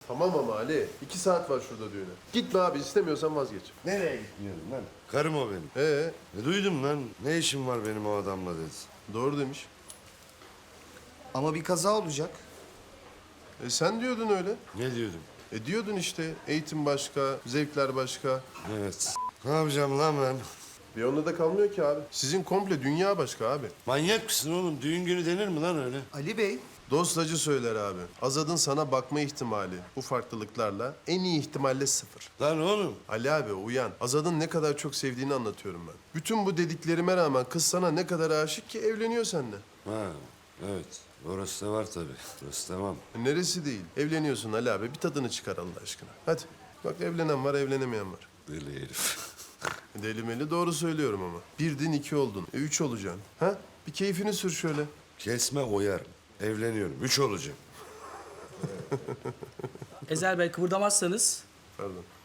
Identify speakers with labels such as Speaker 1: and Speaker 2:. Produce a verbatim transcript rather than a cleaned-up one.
Speaker 1: Tamam ama Ali. iki saat var şurada düğüne. Gitme abi, istemiyorsan vazgeç.
Speaker 2: Nereye gitmiyorum lan? Karım o benim.
Speaker 1: Ee,
Speaker 2: Ne duydum lan? Ne işim var benim o adamla dedi.
Speaker 1: doğru demiş.
Speaker 3: Ama bir kaza olacak.
Speaker 1: E sen diyordun öyle.
Speaker 2: Ne diyordum?
Speaker 1: E diyordun işte, eğitim başka, zevkler başka.
Speaker 2: Evet. Ne yapacağım lan ben?
Speaker 1: Bir onda da kalmıyor ki abi. Sizin komple dünya başka abi.
Speaker 2: Manyak mısın oğlum? Düğün günü denir mi lan öyle?
Speaker 3: Ali Bey,
Speaker 1: Dost acı söyler abi. Azad'ın sana bakma ihtimali bu farklılıklarla en iyi ihtimalle sıfır.
Speaker 2: Lan oğlum.
Speaker 1: Ali abi uyan. Azad'ın ne kadar çok sevdiğini anlatıyorum ben. Bütün bu dediklerime rağmen kız sana ne kadar aşık ki evleniyor seninle.
Speaker 2: Ha, evet. Orası da var tabii. Orası tamam.
Speaker 1: E neresi değil? Evleniyorsun Ali abi. Bir tadını çıkar Allah aşkına. Hadi. Bak evlenen var, evlenemeyen var.
Speaker 2: Deli herif.
Speaker 1: Deli meli doğru söylüyorum ama. Birdin iki oldun. E üç olacaksın. Ha? Bir keyfini sür şöyle.
Speaker 2: Kesme oyar. Evleniyorum. Üç olacağım.
Speaker 4: Ezel Bey kıvırdamazsanız
Speaker 1: Pardon.